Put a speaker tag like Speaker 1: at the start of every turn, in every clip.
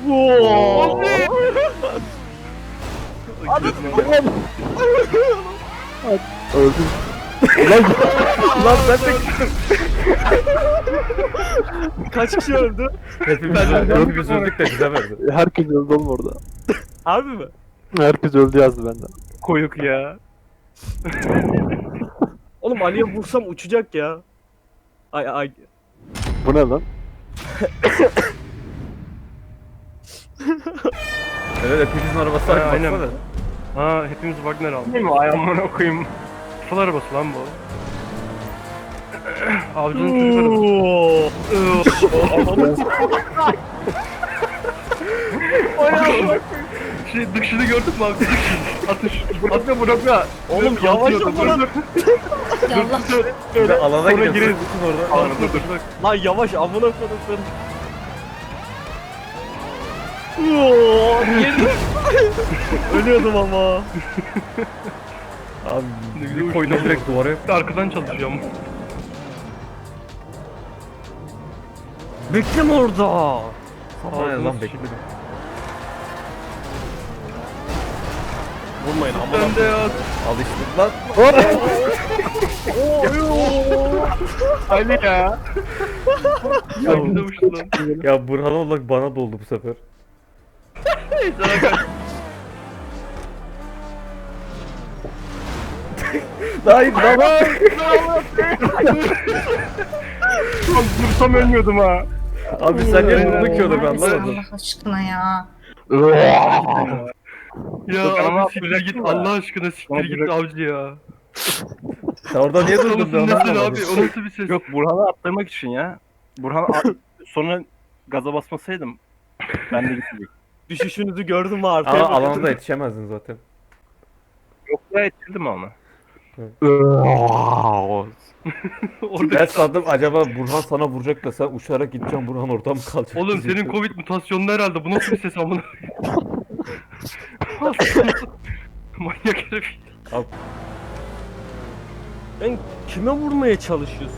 Speaker 1: Oo.
Speaker 2: Hadi.
Speaker 3: Öldüm.
Speaker 2: Lan ben de gittim.
Speaker 1: Kaç kişi öldü?
Speaker 2: Hepimiz öldük de bize verdi.
Speaker 3: Herkes öldü oğlum orada.
Speaker 1: Harbi mi?
Speaker 3: Herkes öldü yazdı benden.
Speaker 1: Koyuk ya. Oğlum Ali'ye vursam uçacak ya. Ay ay.
Speaker 3: Bu ne lan?
Speaker 2: Evet hepimizin arabası aynı
Speaker 4: Aynen.
Speaker 2: baksana.
Speaker 4: Ha hepimiz Wagner aldık. Değil mi? Ayağımına koyayım. Fıl arabası lan bu. Avcının çocuk arabası. Dışını gördün mü abi? Atış. Atma bırakma.
Speaker 1: Oğlum yavaş ol lan.
Speaker 5: Yallah.
Speaker 2: Bir de alana
Speaker 4: Sonra
Speaker 2: gidiyoruz.
Speaker 4: gireriz.
Speaker 2: Orada.
Speaker 4: Dur dur.
Speaker 1: Lan yavaş amına koydum. Oo, girdim. Ölüyordum ama.
Speaker 2: Abi bir koydum direkt duvara.
Speaker 4: Arkadan çalışıyorum.
Speaker 1: Bekleme orada.
Speaker 2: Hayır lan bekledim.
Speaker 1: Vurmayın amına.
Speaker 4: Ben de ya.
Speaker 2: Alıştık lan.
Speaker 4: Ali ya. Ya bir de uçtu lan.
Speaker 2: Ya Burhan olarak bana doldu bu sefer.
Speaker 4: Sana kaç.
Speaker 2: Hayır lan.
Speaker 4: Lan dursam ölmüyordum ha.
Speaker 2: Abi sen ne buldun ki onu ben anlamadım.
Speaker 5: Allah aşkına ya.
Speaker 4: Ya abi siktir git Allah aşkına siktir git avcı ya.
Speaker 2: Sen orada niye durdun ben
Speaker 4: Nesin
Speaker 2: anlamadım.
Speaker 4: abi o nasıl bir ses?
Speaker 6: Yok Burhan'ı attırmak için ya. Sonra gaza basmasaydım ben de gitmeyecektim.
Speaker 1: Düşüşünüzü gördüm mü arkaya?
Speaker 2: Ama
Speaker 1: bakıyordum.
Speaker 2: alanda yetişemezdin zaten.
Speaker 6: Yok ya ettirdim onu.
Speaker 4: Orada
Speaker 2: Ben sandım acaba Burhan sana vuracak da sen uçarak gideceksin Burhan orada mı kalacak?
Speaker 4: oğlum senin Covid mutasyonlu herhalde. Bu nasıl bir ses amına? Manyak herif.
Speaker 1: Sen kime vurmaya çalışıyorsun?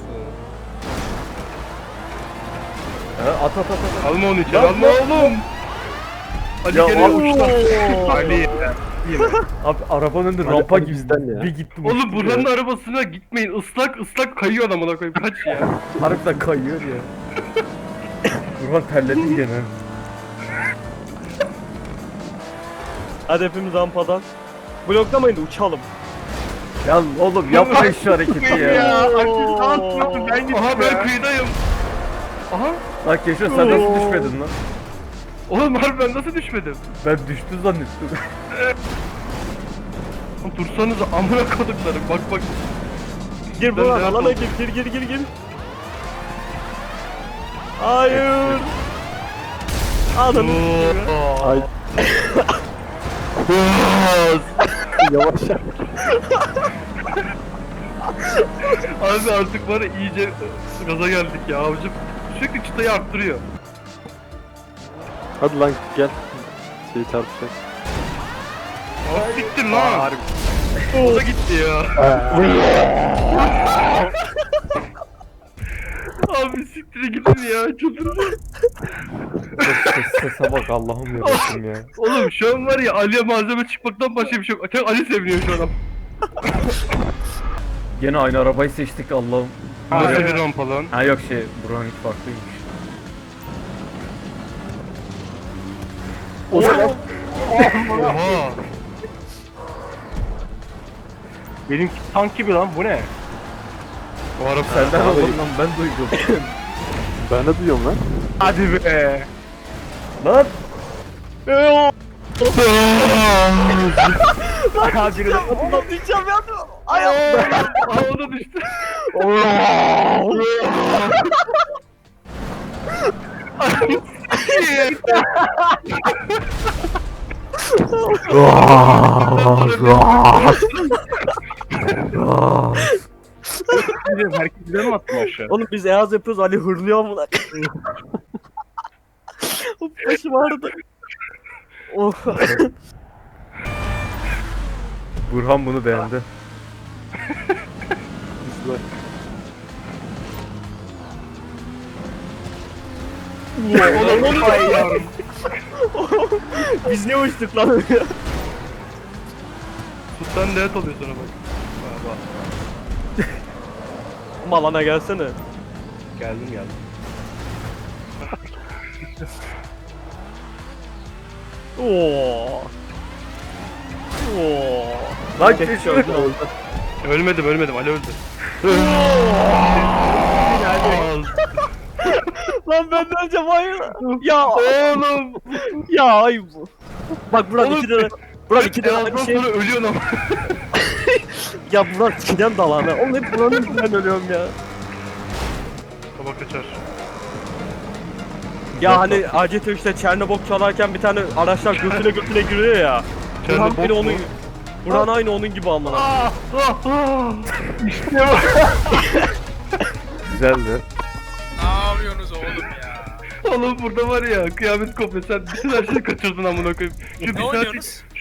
Speaker 2: Ha, at.
Speaker 4: Alma onu içeri alma oğlum. Ali
Speaker 2: Ya
Speaker 4: gene
Speaker 2: al-
Speaker 4: uçtu. Ali.
Speaker 2: Abi arabanın önünde
Speaker 3: Hadi,
Speaker 2: rampa
Speaker 3: hadi
Speaker 2: gibi
Speaker 3: bizden ya.
Speaker 2: bir gittim.
Speaker 4: Oğlum
Speaker 2: uçtum
Speaker 4: Burhan'ın
Speaker 2: ya.
Speaker 4: arabasına gitmeyin. Islak kayıyor amına koyayım. Kaç ya.
Speaker 2: Harbiden kayıyor ya. Burhan terledin gene.
Speaker 1: Hadi hepimiz rampadan. Bloklamayın da uçalım.
Speaker 2: Ya oğlum yapma şu hareketi ya.
Speaker 4: Aha ben kıyıdayım. Aha.
Speaker 2: Lan Keşo sen nasıl düşmedin lan?
Speaker 4: Oğlum harbi ben nasıl düşmedim?
Speaker 2: Ben düştü zannettim.
Speaker 4: Lan dursanıza amına koduklarım. Bak.
Speaker 1: Gir
Speaker 4: Ben
Speaker 1: Burhan
Speaker 4: de
Speaker 1: alana
Speaker 4: yapalım.
Speaker 1: gir. Hayır. Adamı.
Speaker 3: Ay. Yavaş yap.
Speaker 4: Abi artık var ya iyice gaza geldik ya avcım. Sürekli çıtayı arttırıyor.
Speaker 3: Hadi lan gel. Şey çarpacak.
Speaker 4: Aa, siktir lan. O da gitti ya. Abi siktir gidin ya çıldırdım.
Speaker 2: Sese bak Allah'ım yarabbim ya.
Speaker 4: Oğlum şu an var ya Ali'ye malzeme çıkmaktan başka bir şey yok. Tek Ali seviniyor şu an.
Speaker 2: Gene aynı arabayı seçtik Allah'ım.
Speaker 4: Nasıl bir rampa lan?
Speaker 2: Ha yok Burhan hiç farklıymış.
Speaker 4: Oha.
Speaker 6: Benimki tank gibi lan bu ne?
Speaker 4: O araba
Speaker 2: Senden oğlum lan ben duydum.
Speaker 3: Ben de duyuyorum lan.
Speaker 6: Hadi be.
Speaker 2: Lan!
Speaker 6: Hadi biri de
Speaker 1: Atlayacağım ya.
Speaker 4: Aa o da düştü.
Speaker 6: herkes bize mi attın aşağı?
Speaker 1: Oğlum biz Eaz yapıyoruz Ali hırlıyor amına. Başım ağrıdı. Oh.
Speaker 2: Burhan bunu beğendi.
Speaker 4: Oğlum ay yavrum.
Speaker 1: Biz niye uçtuk lan?
Speaker 4: Sultan net oluyor sonra bak. Bak.
Speaker 1: Malana gelsene.
Speaker 4: Geldim.
Speaker 1: Oo. Oo. Lan keşke öldü.
Speaker 4: Ölmedim Ali öldü.
Speaker 1: Lan ben de önce hayır. Ya
Speaker 4: Oğlum.
Speaker 1: ya ay bu. Bak Burak
Speaker 4: Oğlum,
Speaker 1: 2 lira. Burak 2 lira
Speaker 4: Ondan
Speaker 1: bir şey.
Speaker 4: sonra ölüyorsun ama.
Speaker 1: Ya Burak 2'den dalana. Oğlum hep Burak'ın yüzünden ölüyorum ya.
Speaker 4: Baba kaçar.
Speaker 1: Ya hani ACT3'te Çernobok çalarken bir tane araçlar götüne giriyor ya. Burhan
Speaker 4: Çernobok
Speaker 1: beni
Speaker 4: mu?
Speaker 1: onun Burhan aynı onun gibi amına.
Speaker 3: Güzeldi.
Speaker 7: Ne yapıyorsunuz oğlum ya?
Speaker 4: Oğlum burada var ya kıyamet kopuyor. Sen bütün her şeyi kaçırdın amına koyayım. Şu bir
Speaker 7: Ne
Speaker 4: saat
Speaker 7: oynuyorsunuz?